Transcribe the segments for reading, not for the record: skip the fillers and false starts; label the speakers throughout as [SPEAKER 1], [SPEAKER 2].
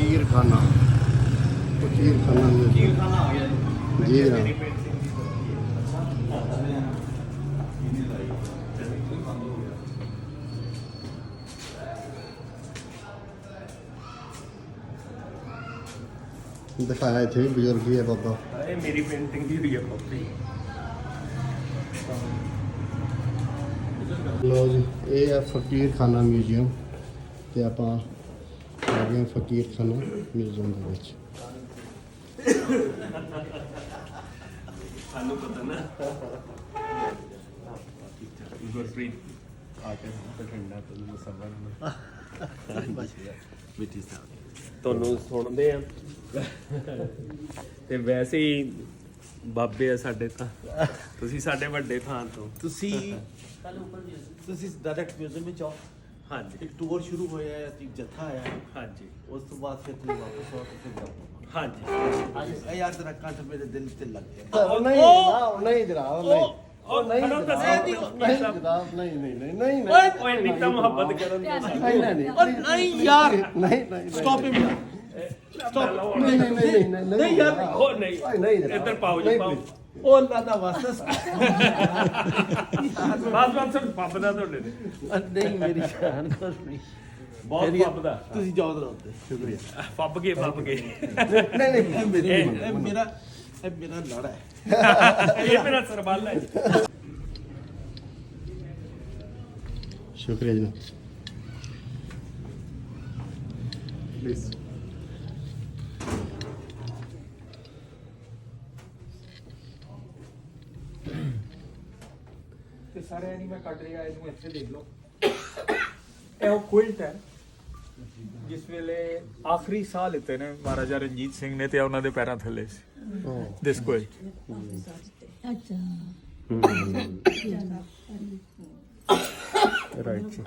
[SPEAKER 1] फकीर खाना
[SPEAKER 2] आ गया
[SPEAKER 1] जी जनाब। दिखाया इतने भी बुजुर्ग ही है बाबा।
[SPEAKER 2] मेरी पेंटिंग ही हुई है कॉपी।
[SPEAKER 1] लो जी ये है फकीर खाना म्यूजियम ते आपां आ गए फकीर खाना म्यूजियम दे विच।
[SPEAKER 2] ਸਾਨੂੰ ਪਤਾ ਨਾ ਗੁਰਪ੍ਰੀਤ ਆ ਕੇ ਠੰਡਾ ਤੋਂ ਸਬਰ ਮਿੱਟੀ ਸਾਹਿਬ ਤੁਹਾਨੂੰ ਸੁਣਦੇ ਆ ਤੇ ਵੈਸੇ ਹੀ ਬਾਬੇ ਆ ਸਾਡੇ ਤਾਂ ਤੁਸੀਂ ਸਾਡੇ ਵੱਡੇ ਥਾਂ ਤੋਂ
[SPEAKER 3] ਤੁਸੀਂ ਡਾਇਰੈਕਟ ਮਿਊਜ਼ੀਅਮ ਵਿੱਚ ਆਓ।
[SPEAKER 2] ਹਾਂਜੀ
[SPEAKER 3] ਇੱਕ ਟੂਰ ਸ਼ੁਰੂ ਹੋਇਆ ਹੈ, ਇੱਕ ਜੱਥਾ ਆਇਆ ਹੈ,
[SPEAKER 2] ਹਾਂਜੀ
[SPEAKER 3] ਉਸ ਤੋਂ ਬਾਅਦ ਫਿਰ ਤੁਸੀਂ ਵਾਪਸ ਆਓ ਤੇ ਫਿਰ ਜਾਓ।
[SPEAKER 2] ਹਾਂਜੀ
[SPEAKER 3] ਇਹ ਯਾਦ ਰੱਖਾਂ ਤੇ ਮੇਰੇ ਦਿਲ ਤੇ ਲੱਗ ਗਿਆ।
[SPEAKER 1] नहीं जनाब नहीं
[SPEAKER 2] ਨਹੀਂ
[SPEAKER 1] जनाब नहीं
[SPEAKER 2] ਓਏ ਨਿੱਕਾ ਮੁਹੱਬਤ ਕਰਨ ਦੇ
[SPEAKER 3] ਨਹੀਂ ਯਾਰ
[SPEAKER 1] नहीं
[SPEAKER 3] ਸਟਾਪ ਹਿਮ
[SPEAKER 1] नहीं
[SPEAKER 3] यार
[SPEAKER 2] ਉਹ ਨਹੀਂ ਇੱਧਰ ਪਾਓ ਜੀ ਪਾਓ
[SPEAKER 3] ਉਹ ਅੱਲਾ ਦਾ ਵਾਸਤਾ
[SPEAKER 2] ਬਾਤ ਸਿਰਫ ਪੱਬ ਦਾ ਤੁਹਾਡੇ ਨੇ
[SPEAKER 3] ਨਹੀਂ ਮੇਰੀ ਜਾਨ ਕੁਛ ਨਹੀਂ
[SPEAKER 2] ਬਹੁਤ ਪੱਬ ਦਾ
[SPEAKER 3] ਤੁਸੀਂ ਜਾਓ ਦਰ ਉੱਤੇ ਸ਼ੁਕਰੀਆ।
[SPEAKER 2] ਪੱਬ ਗਏ
[SPEAKER 1] नहीं
[SPEAKER 3] ਇਹ ਮੇਰਾ ਲੜਾ ਹੈ।
[SPEAKER 2] ਇਹ ਮੇਰਾ ਸਰਬਾਲਾ ਹੈ
[SPEAKER 1] शुक्रिया जनाब
[SPEAKER 2] ਪਲੀਜ਼
[SPEAKER 4] ਤੇ ਸਾਰੇ ਐਨੀਮੇ ਕੱਢ ਰਿਹਾ ਇਹਨੂੰ ਇੱਥੇ ਦੇਖ ਲਓ। ਇਹ ਉਹ ਕੁਇਲਟ ਹੈ ਜਿਸ ਵੇਲੇ ਆਖਰੀ ਸਾਹ ਲਿੱਤੇ ਨੇ ਮਹਾਰਾਜਾ ਰਣਜੀਤ ਸਿੰਘ ਨੇ ਤੇ ਉਹਨਾਂ ਦੇ ਪੈਰਾਂ ਥੱਲੇ ਸੀ ਦਿਸ ਕੁਇਲਟ।
[SPEAKER 2] ਰਾਈਟ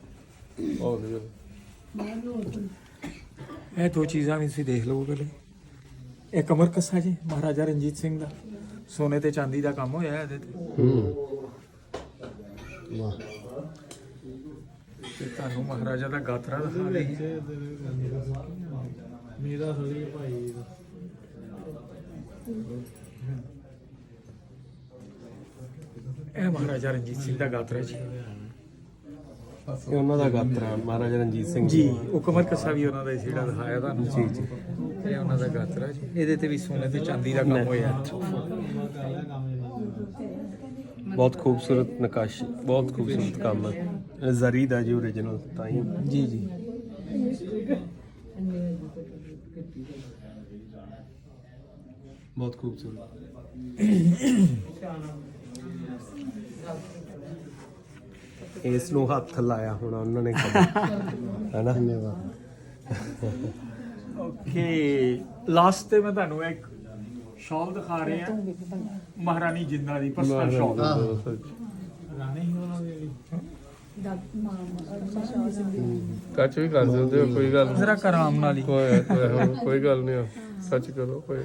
[SPEAKER 4] ਇਹ ਦੋ ਚੀਜ਼ਾਂ ਵੀ ਤੁਸੀਂ ਦੇਖ ਲਓ ਪਹਿਲੇ। ਇਹ ਕਮਰ ਕੱਸਾ ਜੀ ਮਹਾਰਾਜਾ ਰਣਜੀਤ ਸਿੰਘ ਦਾ ਸੋਨੇ ਤੇ ਚਾਂਦੀ ਦਾ ਕੰਮ ਹੋਇਆ ਇਹਦੇ ਤੇ।
[SPEAKER 1] वाह
[SPEAKER 4] ਤੇ ਤੁਹਾਨੂੰ ਮਹਾਰਾਜਾ ਦਾ ਗਾਤਰਾ ਦਿਖਾ ਦਈਏ।
[SPEAKER 3] ਮੇਰਾ ਥੋੜੀ ਭਾਈ
[SPEAKER 4] ਇਹ ਮਹਾਰਾਜਾ ਰਣਜੀਤ ਸਿੰਘ ਦਾ ਗਾਤਰਾ ਜੀ।
[SPEAKER 2] ਇਹ ਉਹਨਾਂ ਦਾ ਗਾਤਰਾ ਮਹਾਰਾਜਾ ਰਣਜੀਤ ਸਿੰਘ
[SPEAKER 4] ਜੀ ਉਹ ਕਮਰ ਕੱਸਾ ਵੀ ਉਹਨਾਂ ਦਾ ਹੀ ਜਿਹੜਾ ਦਿਖਾਇਆ ਤੁਹਾਨੂੰ। ਜੀ ਜੀ ਇਹ ਉਹਨਾਂ ਦਾ ਗਾਤਰਾ ਜੀ। ਇਹਦੇ ਤੇ ਵੀ ਸੋਨੇ ਤੇ ਚਾਂਦੀ ਦਾ ਕੰਮ ਹੋਇਆ।
[SPEAKER 2] ਬਹੁਤ ਖੂਬਸੂਰਤ ਨਕਾਸ਼ੀ ਬਹੁਤ ਖੂਬਸੂਰਤ ਕੰਮ ਹੈ ਜ਼ਰੀ ਦਾ ਜੀ ਓਰੀਜਨਲ ਤਾਂ ਹੀ
[SPEAKER 4] ਜੀ ਜੀ
[SPEAKER 2] ਬਹੁਤ ਖੂਬਸੂਰਤ ਇਸ ਨੂੰ ਹੱਥ ਲਾਇਆ ਹੁਣ ਉਹਨਾਂ ਨੇ ਹੈ ਨਾ
[SPEAKER 1] धन्यवाद।
[SPEAKER 4] ਓਕੇ ਲਾਸਟ ਤੇ ਮੈਂ ਤੁਹਾਨੂੰ ਇੱਕ ਸ਼ਾਲ ਦਿਖਾ ਰਹੇ ਆ ਮਹਾਰਾਣੀ ਜਿੰਦਾ ਦੀ ਪਰਸਨਲ ਸ਼ਾਲ।
[SPEAKER 5] ਕੱਚ ਵੀ ਕਰ ਸਕਦੇ ਹੋ ਕੋਈ ਗੱਲ
[SPEAKER 4] ਜ਼ਰਾ ਕਰਾਮ ਨਾਲ ਹੀ।
[SPEAKER 5] ਕੋਈ ਗੱਲ ਨਹੀਂ ਸੱਚ ਕਰੋ ਕੋਈ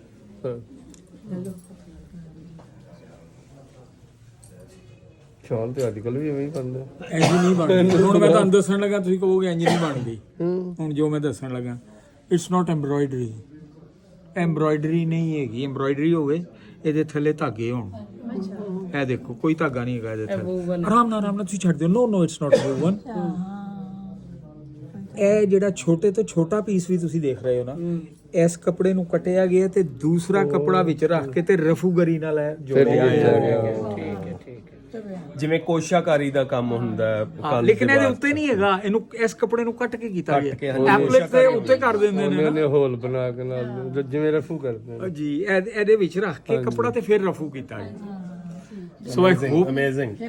[SPEAKER 5] ਸ਼ਾਲ ਤੇ ਅੱਜ ਕੱਲ ਵੀ ਐਵੇਂ ਹੀ ਬਣਦੇ
[SPEAKER 4] ਇੰਜ ਨਹੀਂ ਬਣਦੀ। ਹੁਣ ਮੈਂ ਤੁਹਾਨੂੰ ਦੱਸਣ ਲੱਗਾ ਤੁਸੀਂ ਕਹੋਗੇ ਇੰਜ ਨਹੀਂ ਬਣਦੀ। ਹੁਣ ਜੋ ਮੈਂ ਦੱਸਣ ਲੱਗਾ ਇਟਸ ਨਾਟ ਐਮਬਰਾਇਡਰੀ। ਐਮਬਰਾਇਡਰੀ ਨਹੀਂ ਹੈਗੀ। ਐਮਬਰਾਇਡਰੀ ਹੋਵੇ ਇਹਦੇ ਥੱਲੇ ਧਾਗੇ ਹੋਣ। ਇਹ ਦੇਖੋ ਕੋਈ ਧਾਗਾ ਨਹੀਂ ਹੈਗਾ ਇਹਦੇ ਥੱਲੇ। ਆਰਾਮ ਨਾਲ ਤੁਸੀਂ ਛੱਡ ਦਿਓ। No it's not woven. ਇਹ ਜਿਹੜਾ ਛੋਟੇ ਤੋਂ ਛੋਟਾ ਪੀਸ ਵੀ ਤੁਸੀਂ ਦੇਖ ਰਹੇ ਹੋ ਨਾ ਇਸ ਕੱਪੜੇ ਨੂੰ ਕੱਟਿਆ ਗਿਆ ਤੇ ਦੂਸਰਾ ਕੱਪੜਾ ਵਿੱਚ ਰੱਖ ਕੇ ਤੇ ਰਫੂਗਰੀ ਨਾਲ ਜੋੜਿਆ ਗਿਆ।
[SPEAKER 2] ਜਿਵੇਂ ਕੋਸ਼ਾਕਾਰੀ ਦਾ ਕੰਮ ਹੁੰਦਾ ਹੈ
[SPEAKER 4] ਲੇਕਿਨ ਇਹਦੇ ਉੱਤੇ ਨਹੀਂ ਹੈਗਾ। ਇਹਨੂੰ ਇਸ ਕੱਪੜੇ ਨੂੰ ਕੱਟ ਕੇ ਕੀਤਾ ਗਿਆ। ਐਪਲਿਕ ਦੇ ਉੱਤੇ ਕਰ ਦਿੰਦੇ ਨੇ
[SPEAKER 5] ਨੇ ਹੋਲ ਬਣਾ ਕੇ ਨਾਲ ਜਿਵੇਂ ਰਫੂ ਕਰਦੇ ਨੇ
[SPEAKER 4] ਜੀ ਇਹਦੇ ਵਿੱਚ ਰੱਖ ਕੇ ਕੱਪੜਾ ਤੇ ਫਿਰ ਰਫੂ ਕੀਤਾ ਗਿਆ। ਸੋ ਆਈ ਹੋਪ
[SPEAKER 2] ਅਮੇਜ਼ਿੰਗ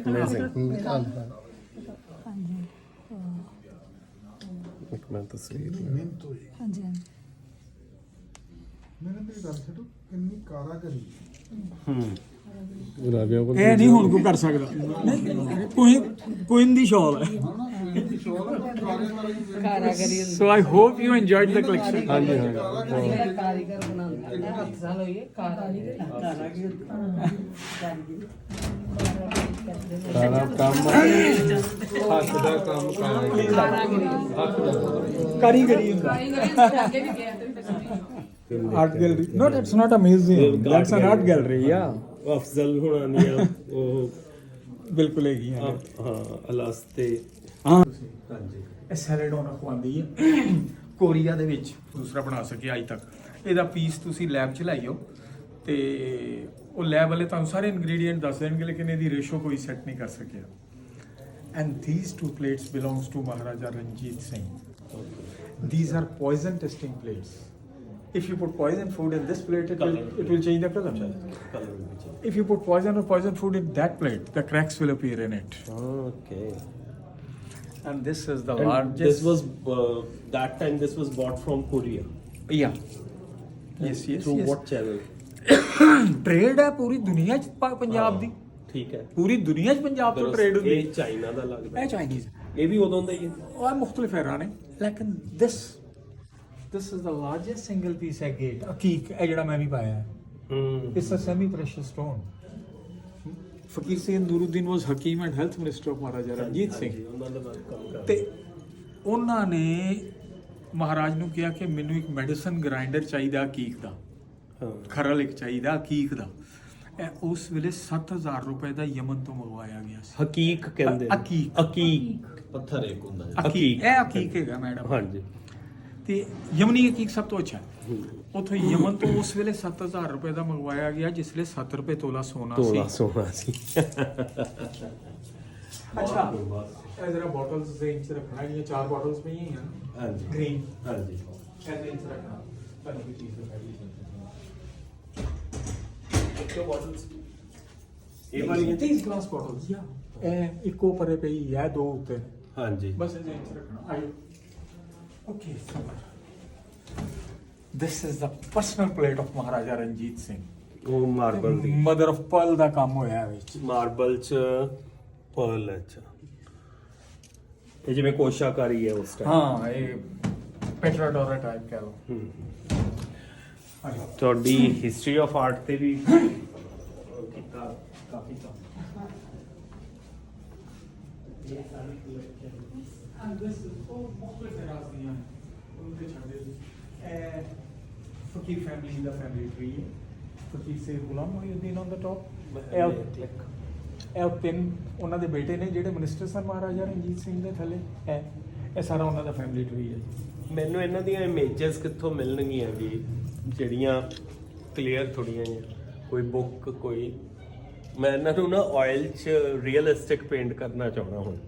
[SPEAKER 2] ਇੱਕ ਮੈਂ ਤਸਵੀਰ
[SPEAKER 6] ਹਾਂਜੀ ਹਾਂਜੀ
[SPEAKER 7] मैंने मेरी गल छो किन्नी कारागरी
[SPEAKER 5] ਗੁਲਾਬੀਆਂ ਕੋਲ
[SPEAKER 4] ਇਹ ਨਹੀਂ ਹੁਣ ਕੋਈ ਕਰ ਸਕਦਾ। ਕੋਈ ਦੀ ਸ਼ਾਲ ਹੈ।
[SPEAKER 6] ਕਾਰਾਗਰੀ
[SPEAKER 4] so I hope you enjoyed the collection.
[SPEAKER 5] ਹਾਂਜੀ
[SPEAKER 6] ਕਾਰੀਗਰ ਬਣਾਉਂਦੇ ਹੱਥ ਨਾਲ ਹੋਈਏ ਕਾਰਾਗਰੀ
[SPEAKER 5] ਸਾਰਾ ਕੰਮ ਹੱਥ ਦਾ ਕੰਮ
[SPEAKER 4] ਕਾਰੀਗਰੀ ਹੁੰਦਾ art gallery not it's not a museum that's an art gallery yeah
[SPEAKER 2] Afzal ਹੋਣਾ ਦੀਆਂ ਉਹ
[SPEAKER 4] ਬਿਲਕੁਲ ਹੈਗੀ ਆ
[SPEAKER 2] ਹਾਂ ਅਲਸਤੇ
[SPEAKER 4] ਹਾਂ
[SPEAKER 2] ਹਾਂਜੀ
[SPEAKER 4] ਇਹ ਸੈਲੇਡੋਨਾ ਖਵਾਉਂਦੀ ਹੈ ਕੋਰੀਆ ਦੇ ਵਿੱਚ ਦੂਸਰਾ ਬਣਾ ਸਕੇ ਅੱਜ ਤੱਕ ਇਹਦਾ ਪੀਸ ਤੁਸੀਂ ਲੈਬ 'ਚ ਲਾਈਓ ਤੇ ਉਹ ਲੈਬ ਵਾਲੇ ਤੁਹਾਨੂੰ ਸਾਰੇ ਇਨਗਰੀਡੀਐਂਟ ਦੱਸ ਦੇਣਗੇ ਲੇਕਿਨ ਇਹਦੀ ਰੇਸ਼ੋ ਕੋਈ ਸੈੱਟ ਨਹੀਂ ਕਰ ਸਕਿਆ and these two plates belongs to Maharaja Ranjit Singh these are poison testing plates if you put poison food in this plate it will change the color if you put poison or poison food in that plate the cracks will appear in it
[SPEAKER 2] okay
[SPEAKER 4] and this is the
[SPEAKER 2] and
[SPEAKER 4] largest
[SPEAKER 2] this was that time this was bought from Korea
[SPEAKER 4] yeah yes
[SPEAKER 2] through what channel
[SPEAKER 4] trade ਹੈ ਪੂਰੀ ਦੁਨੀਆ ਚ ਪੰਜਾਬ ਦੀ
[SPEAKER 2] ਠੀਕ ਹੈ
[SPEAKER 4] ਪੂਰੀ ਦੁਨੀਆ ਚ ਪੰਜਾਬ ਤੋਂ ਟ੍ਰੇਡ ਹੁੰਦੀ
[SPEAKER 2] ਇਹ ਚਾਈਨਾ ਦਾ ਲੱਗਦਾ
[SPEAKER 4] ਇਹ ਚਾਈਨੀਜ਼
[SPEAKER 2] ਇਹ ਵੀ ਉਦੋਂ ਦਾ ਹੀ ਹੈ
[SPEAKER 4] ਉਹ ਮੁxtਲਿਫ ਹੈਰਾਂ ਨੇ ਲੇਕਿਨ this is the largest single piece ਹੈ ਗੇਟ ਅਕੀਕ ਇਹ ਜਿਹੜਾ ਮੈਂ ਵੀ ਪਾਇਆ ਹੈ it's a semi precious stone ਫਕੀਰ Singh ਨੂਰੁੱਦੀਨ was Hakim and Health Minister of Maharaja Ranjit Singh
[SPEAKER 2] ਉਹਨਾਂ ਦਾ ਕੰਮ ਕਰ
[SPEAKER 4] ਤੇ ਉਹਨਾਂ ਨੇ ਮਹਾਰਾਜ ਨੂੰ ਕਿਹਾ ਕਿ ਮੈਨੂੰ ਇੱਕ ਮੈਡੀਸਨ ਗ੍ਰਾਈਂਡਰ ਚਾਹੀਦਾ ਅਕੀਕ ਦਾ ਖਰਲ ਇੱਕ ਚਾਹੀਦਾ ਅਕੀਕ ਦਾ ਇਹ ਉਸ ਵੇਲੇ 7000 ਰੁਪਏ ਦਾ ਯਮਨ ਤੋਂ ਮੰਗਵਾਇਆ ਗਿਆ ਸੀ
[SPEAKER 2] ਹਕੀਕ ਕਹਿੰਦੇ ਨੇ।
[SPEAKER 4] ਅਕੀਕ
[SPEAKER 2] ਅਕੀਕ ਪੱਥਰ ਇੱਕ ਹੁੰਦਾ ਹੈ
[SPEAKER 4] ਅਕੀਕ ਇਹ ਅਕੀਕ ਹੈਗਾ ਮੈਡਮ
[SPEAKER 2] ਹਾਂਜੀ
[SPEAKER 4] ਤੇ ਯਮਨੀ ਅਕੀਕ ਸਭ ਤੋਂ ਅੱਛਾ ਹੈ ਉਥੋਂ ਯਮਨ ਤੋਂ ਉਸ ਵੇਲੇ 7000 ਰੁਪਏ ਦਾ ਮੰਗਵਾਇਆ ਗਿਆ ਜਿਸ ਵੇਲੇ 7 ਰੁਪਏ ਤੋਲਾ ਸੋਨਾ ਸੀ
[SPEAKER 2] ਤੋਲਾ ਸੋਨਾ ਸੀ
[SPEAKER 4] ਅੱਛਾ ਇਹ ਜਰਾ ਬੋਟਲਸ ਦੇ ਇੰਚ ਰੱਖਣਾ ਇਹ 4 ਬੋਟਲਸ ਪਈਆਂ ਹੀ ਹਨ
[SPEAKER 2] ਹਾਂਜੀ
[SPEAKER 4] ਗ੍ਰੀਨ
[SPEAKER 2] ਹਾਂਜੀ
[SPEAKER 4] ਇਹਦੇ ਇੰਚ ਰੱਖਣਾ ਤੁਹਾਨੂੰ ਕੀ ਚੀਜ਼ ਦਿਖਾਈ
[SPEAKER 2] ਕਿਉਂ bottles
[SPEAKER 4] ਇਹ ਵਾਲੀ 30 ਗਲਾਸ ਬੋਟਲਸ ਯਾ ਇਹ ਇੱਕੋ ਪਰੇ ਪਈ ਹੈ ਦੋ ਉੱਤੇ
[SPEAKER 2] ਹਾਂਜੀ
[SPEAKER 4] ਬਸ ਇਹਦੇ ਇੰਚ ਰੱਖਣਾ ਆਇਓ okay this is the personal plate of Maharaja Ranjit Singh
[SPEAKER 2] ਉਹ ਮਾਰਬਲ ਦੀ
[SPEAKER 4] mother of pearl ਦਾ ਕੰਮ ਹੋਇਆ ਵਿੱਚ
[SPEAKER 2] ਮਾਰਬਲ ਚ ਪਰਲ ਅੱਛਾ ਇਹ ਜਿਵੇਂ ਕੋਸ਼ਾਕਾਰੀ ਹੈ ਉਸ ਟਾਈਮ
[SPEAKER 4] ਹਾਂ ਇਹ ਪੈਟਰਾਡੋਰਾ ਟਾਈਪ ਕਹ ਲਓ
[SPEAKER 2] ਤੁਹਾਡੀ ਹਿਸਟਰੀ ਆਫ ਆਰਟ ਤੇ ਵੀ ਕੀਤਾ ਕਾਫੀ ਕੰਮ
[SPEAKER 4] ਫਕੀਰ ਫੈਮਿਲੀ ਦਾ ਫੈਮਿਲੀ ਟਰੀ ਹੈ ਫਕੀਰ ਸੇ ਗੁਲਾਮ ਮੋਹਿਉਦੀਨ ਔਨ ਦਾ ਟੌਪ ਇਹ ਤਿੰਨ ਉਹਨਾਂ ਦੇ ਬੇਟੇ ਨੇ ਜਿਹੜੇ ਮਿਨਿਸਟਰ ਸਨ ਮਹਾਰਾਜਾ ਰਣਜੀਤ ਸਿੰਘ ਦੇ ਥੱਲੇ ਇਹ ਸਾਰਾ ਉਹਨਾਂ ਦਾ ਫੈਮਿਲੀ ਟਰੀ ਹੈ
[SPEAKER 2] ਮੈਨੂੰ ਇਹਨਾਂ ਦੀਆਂ ਇਮੇਜਸ ਕਿੱਥੋਂ ਮਿਲਣਗੀਆਂ ਵੀ ਜਿਹੜੀਆਂ ਕਲੀਅਰ ਥੋੜੀਆਂ ਜਿਹੀਆਂ ਕੋਈ ਬੁੱਕ ਕੋਈ ਮੈਂ ਇਹਨਾਂ ਨੂੰ ਨਾ ਆਇਲ 'ਚ ਰੀਅਲਿਸਟਿਕ ਪੇਂਟ ਕਰਨਾ ਚਾਹੁੰਦਾ ਹੁਣ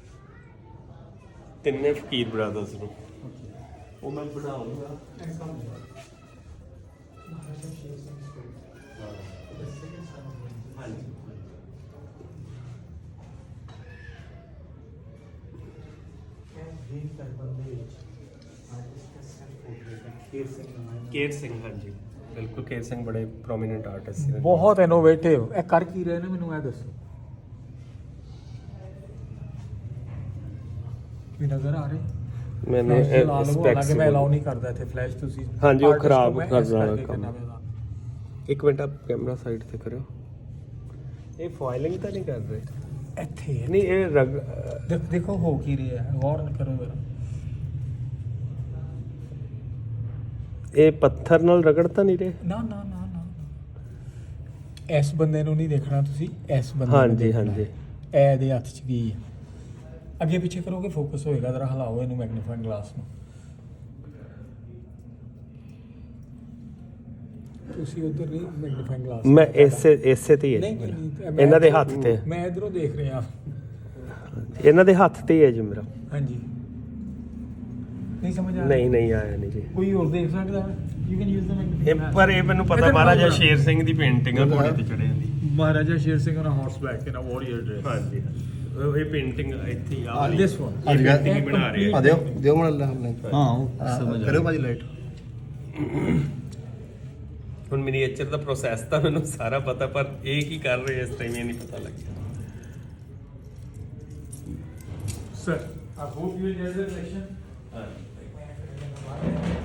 [SPEAKER 2] ਤਿੰਨੇ ਫਕੀਰ ਬ੍ਰਦਰਸ ਨੂੰ ਉਹ ਮੈਂ ਬਣਾਉਂਗਾ ਕੇਰ ਸਿੰਘ ਹਾਂਜੀ ਬਿਲਕੁਲ ਕੇਰ ਸਿੰਘ ਬੜੇ ਪ੍ਰੋਮਿਨੈਂਟ ਆਰਟਿਸਟ ਨੇ
[SPEAKER 4] ਬਹੁਤ ਇਨੋਵੇਟਿਵ ਇਹ ਕਰ ਕੀ ਰਹੇ ਨੇ ਮੈਨੂੰ ਇਹ ਦੱਸੋ ਵੀ ਨਜ਼ਰ ਆ ਰਹੇ
[SPEAKER 2] ਮੈਨੂੰ
[SPEAKER 4] ਹਾਲਾਂਕਿ ਮੈਂ ਅਲਾਉ ਨਹੀਂ ਕਰਦਾ ਇੱਥੇ ਫਲੈਸ਼ ਤੁਸੀਂ
[SPEAKER 2] ਹਾਂਜੀ, ਉਹ
[SPEAKER 4] artist
[SPEAKER 2] ਖਰਾਬ
[SPEAKER 4] ਹੋ, ਮੈਂ
[SPEAKER 2] ਕਰ
[SPEAKER 4] ਇਸ
[SPEAKER 2] ਜਾਣਾ
[SPEAKER 4] ਕਰਕੇ
[SPEAKER 2] ਕੰਮ।
[SPEAKER 4] ਕਰਨਾ ਪੈਂਦਾ।
[SPEAKER 2] ਇੱਕ ਮਿੰਟ ਆਪ ਕੈਮਰਾ ਸਾਈਡ ਤੇ ਕਰਿਓ ਇਹ ਫਾਇਲਿੰਗ ਤਾਂ ਨਹੀਂ ਕਰ ਰਹੇ
[SPEAKER 4] ਇੱਥੇ
[SPEAKER 2] ਨਹੀਂ ਇਹ ਰਗ
[SPEAKER 4] ਦੇਖੋ ਹੋ ਕੀ ਰਿਹਾ ਹੈ ਗੌਰ ਕਰੋ ਜ਼ਰਾ
[SPEAKER 2] ਇਹ ਪੱਥਰ ਨਾਲ ਰਗੜ ਤਾਂ ਨਹੀਂ ਰਹੇ
[SPEAKER 4] ਨਾ ਨਾ ਨਾ ਨਾ ਇਸ ਬੰਦੇ ਨੂੰ ਨਹੀਂ ਦੇਖਣਾ ਤੁਸੀਂ ਇਸ ਬੰਦੇ ਨੂੰ
[SPEAKER 2] ਹਾਂਜੀ
[SPEAKER 4] ਦੇਖਣਾ
[SPEAKER 2] ਹਾਂਜੀ
[SPEAKER 4] ਹੈ। ਇਹ ਇਹਦੇ ਹੱਥ 'ਚ ਕੀ ਹੈ ਅੱਗੇ ਪਿੱਛੇ ਕਰੋਗੇ ਫੋਕਸ ਹੋਏਗਾ ਜ਼ਰਾ ਹਿਲਾਓ ਇਹਨੂੰ ਮੈਗਨੀਫਾਈਂਗ ਗਲਾਸ ਨੂੰ ਤੁਸੀਂ ਉਧਰ ਨਹੀਂ ਮੈਗਨੀਫਾਈਂਗ ਗਲਾਸ
[SPEAKER 2] ਮੈਂ ਇਸੇ ਤੇ ਹੀ ਹੈ
[SPEAKER 4] ਨਹੀਂ
[SPEAKER 2] ਜੀ ਮੇਰਾ।
[SPEAKER 4] ਨਹੀਂ ਮੈਂ
[SPEAKER 2] ਇਹਨਾਂ ਦੇ ਹੱਥ ਤੇ
[SPEAKER 4] ਮੈਂ ਇਧਰੋਂ ਦੇਖ ਰਿਹਾ
[SPEAKER 2] ਇਹਨਾਂ ਦੇ ਹੱਥ ਤੇ ਹੀ ਹੈ ਜੀ ਮੇਰਾ
[SPEAKER 4] ਹਾਂਜੀ ਨਹੀਂ ਸਮਝ ਆ
[SPEAKER 2] ਨਹੀਂ ਨਹੀਂ ਆਇਆ ਨਹੀਂ ਜੀ
[SPEAKER 4] ਕੋਈ ਹੋਰ ਦੇਖ ਸਕਦਾ you can use the magnifying
[SPEAKER 2] ਪਰ ਇਹ ਮੈਨੂੰ ਪਤਾ ਮਹਾਰਾਜਾ ਸ਼ੇਰ ਸਿੰਘ ਦੀ ਪੇਂਟਿੰਗ ਆ ਘੋੜੇ ਤੇ ਚੜ੍ਹੇ ਦੀ
[SPEAKER 4] ਮਹਾਰਾਜਾ ਸ਼ੇਰ Singh on a horseback in a warrior dress
[SPEAKER 2] ਹਾਂਜੀ ਇਹ ਪੇਂਟਿੰਗ ਇੱਥੇ ਹੀ ਆ
[SPEAKER 4] this one
[SPEAKER 2] ਇਹ painting ਹੀ ਬਣਾ ਰਹੇ ਆ
[SPEAKER 1] ਦਿਓ ਮਨ ਅੱਲਾ ਹਮਨੇ
[SPEAKER 3] ਸਮਝ
[SPEAKER 1] ਕਰਿਓ ਭਾਜੀ ਲਾਈਟ
[SPEAKER 2] ਹੁਣ ਮਿਨੀਏਚਰ ਦਾ ਪ੍ਰੋਸੈਸ ਤਾਂ ਮੈਨੂੰ ਸਾਰਾ ਪਤਾ ਪਰ ਇਹ ਕੀ ਕਰ ਰਹੇ ਇਸ ਟਾਈਮ ਇਹ ਨਹੀਂ ਪਤਾ ਲੱਗਿਆ
[SPEAKER 4] sir I hope you enjoyed the session